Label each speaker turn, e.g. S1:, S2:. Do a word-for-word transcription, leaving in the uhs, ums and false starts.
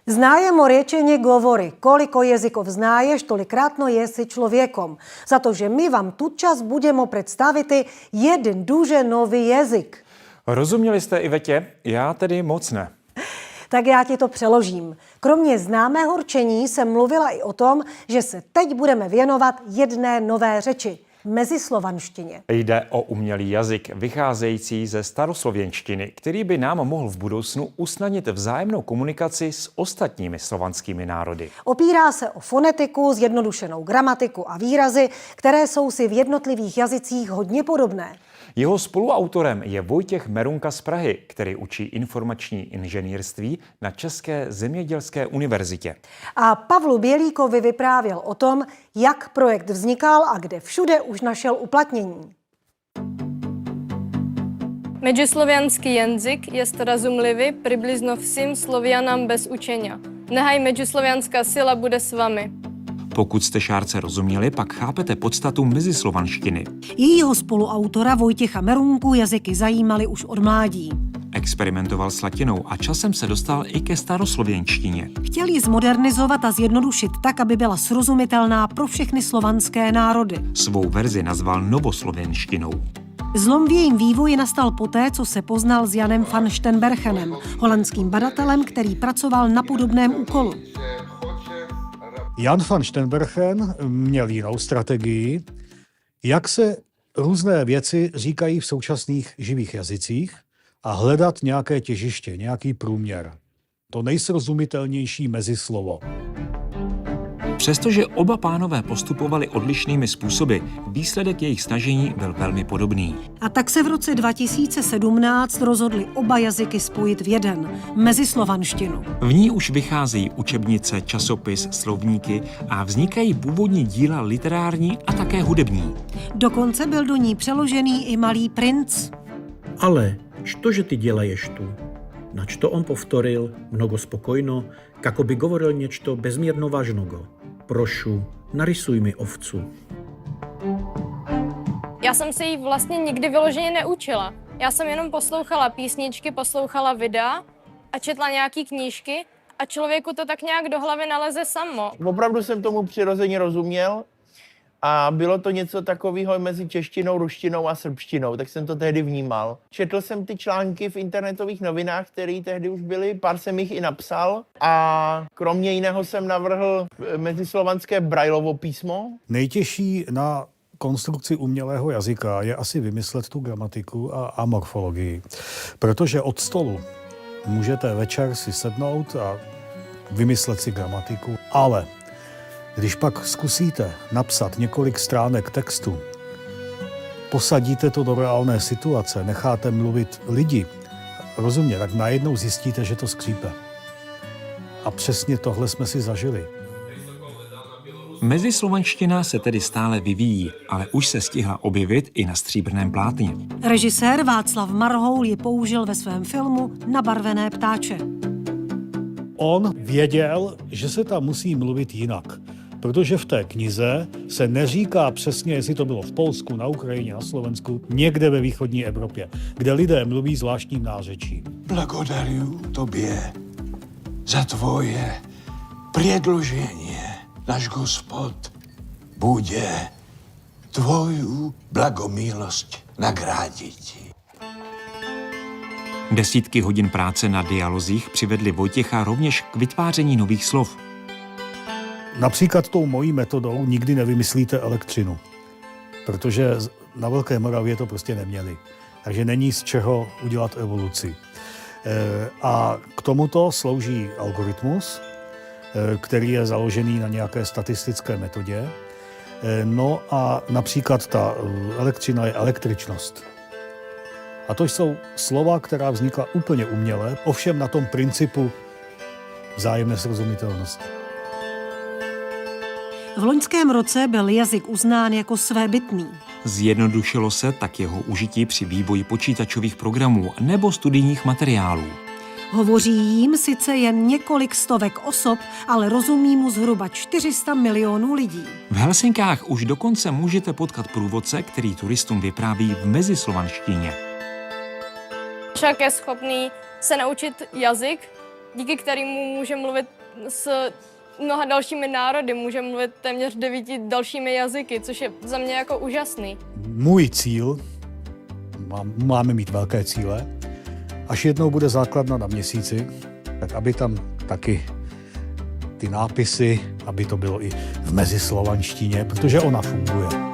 S1: Znajemo rečenje govori, koliko jezikov znaješ, tolikratno jesi človekom. Zato, že my vám tudčas budemo predstaviti jeden duže nový jazyk.
S2: Rozuměli jste Ivetě? Já tedy moc ne.
S1: Tak já ti to přeložím. Kromě známého rčení jsem mluvila i o tom, že se teď budeme věnovat jedné nové řeči. Mezislovanštině.
S2: Jde o umělý jazyk vycházející ze staroslověnštiny, který by nám mohl v budoucnu usnadnit vzájemnou komunikaci s ostatními slovanskými národy.
S1: Opírá se o fonetiku, zjednodušenou gramatiku a výrazy, které jsou si v jednotlivých jazycích hodně podobné.
S2: Jeho spoluautorem je Vojtěch Merunka z Prahy, který učí informační inženýrství na České zemědělské univerzitě.
S1: A Pavlu Bělíkovi vyprávěl o tom, jak projekt vznikal a kde všude už našel uplatnění.
S3: Međuslovianský jazyk je rozumlivý přibližno všem Slovianám bez učenia. Nehaj međuslovianská sila bude s vami.
S2: Pokud jste šárce rozuměli, pak chápete podstatu mezislovanštiny.
S1: Jejího spoluautora Vojtěcha Merunku jazyky zajímaly už od mládí.
S2: Experimentoval s latinou a časem se dostal i ke staroslověnštině.
S1: Chtěl ji zmodernizovat a zjednodušit tak, aby byla srozumitelná pro všechny slovanské národy.
S2: Svou verzi nazval novoslověnštinou.
S1: Zlom v jejím vývoji nastal poté, co se poznal s Janem van Steenbergenem, holandským badatelem, který pracoval na podobném úkolu.
S4: Jan van Steenbergen měl jinou strategii, jak se různé věci říkají v současných živých jazycích a hledat nějaké těžiště, nějaký průměr. To nejsrozumitelnější mezislovo.
S2: Přestože oba pánové postupovali odlišnými způsoby, výsledek jejich snažení byl velmi podobný.
S1: A tak se v roce dva tisíce sedmnáct rozhodli oba jazyky spojit v jeden, mezislovanštinu.
S2: V ní už vycházejí učebnice, časopis, slovníky a vznikají původní díla literární a také hudební.
S1: Dokonce byl do ní přeložený i Malý princ.
S5: Ale štože ty dělaješ tu? Nač to on povtoril, mnogo spokojno, kako by govoril něco bezmírno vážnogo. Prošu, narysuj mi ovcu.
S3: Já jsem se jí vlastně nikdy vyloženě neučila. Já jsem jenom poslouchala písničky, poslouchala videa a četla nějaký knížky a člověku to tak nějak do hlavy naleze samo.
S6: Opravdu jsem tomu přirozeně rozuměl a bylo to něco takového mezi češtinou, ruštinou a srbštinou, tak jsem to tehdy vnímal. Četl jsem ty články v internetových novinách, které tehdy už byly, pár jsem jich i napsal a kromě jiného jsem navrhl mezislovanské Braillovo písmo.
S4: Nejtěžší na konstrukci umělého jazyka je asi vymyslet tu gramatiku a, a morfologii, protože od stolu můžete večer si sednout a vymyslet si gramatiku, ale když pak zkusíte napsat několik stránek textu, posadíte to do reálné situace, necháte mluvit lidi, rozumě, tak najednou zjistíte, že to skřípe. A přesně tohle jsme si zažili.
S2: Mezislovanština se tedy stále vyvíjí, ale už se stihla objevit i na stříbrném plátně.
S1: Režisér Václav Marhoul ji použil ve svém filmu Nabarvené ptáče.
S4: On věděl, že se tam musí mluvit jinak, protože v té knize se neříká přesně, jestli to bylo v Polsku, na Ukrajině, na Slovensku, někde ve východní Evropě, kde lidé mluví zvláštním nářečím.
S7: Blagodaruju tobě za tvoje předložení. Náš Gospod bude tvoju blagomilosť nagrádit.
S2: Desítky hodin práce na dialozích přivedly Vojtěcha rovněž k vytváření nových slov.
S4: Například tou mojí metodou nikdy nevymyslíte elektřinu, protože na Velké Moravě to prostě neměli. Takže není z čeho udělat evoluci. A k tomuto slouží algoritmus, který je založený na nějaké statistické metodě. No a například ta elektřina je električnost. A to jsou slova, která vznikla úplně uměle, ovšem na tom principu vzájemné srozumitelnosti.
S1: V loňském roce byl jazyk uznán jako svébytný.
S2: Zjednodušilo se tak jeho užití při vývoji počítačových programů nebo studijních materiálů.
S1: Hovoří jím sice jen několik stovek osob, ale rozumí mu zhruba čtyři sta milionů lidí.
S2: V Helsinkách už dokonce můžete potkat průvodce, který turistům vypráví v mezislovanštině.
S3: Však je schopný se naučit jazyk díky kterému může mluvit s mnoha dalšími národy, může mluvit téměř devíti dalšími jazyky, což je za mě jako úžasný.
S4: Můj cíl, máme mít velké cíle, až jednou bude základna na Měsíci, tak aby tam taky ty nápisy, aby to bylo i v mezislovanštině, protože ona funguje.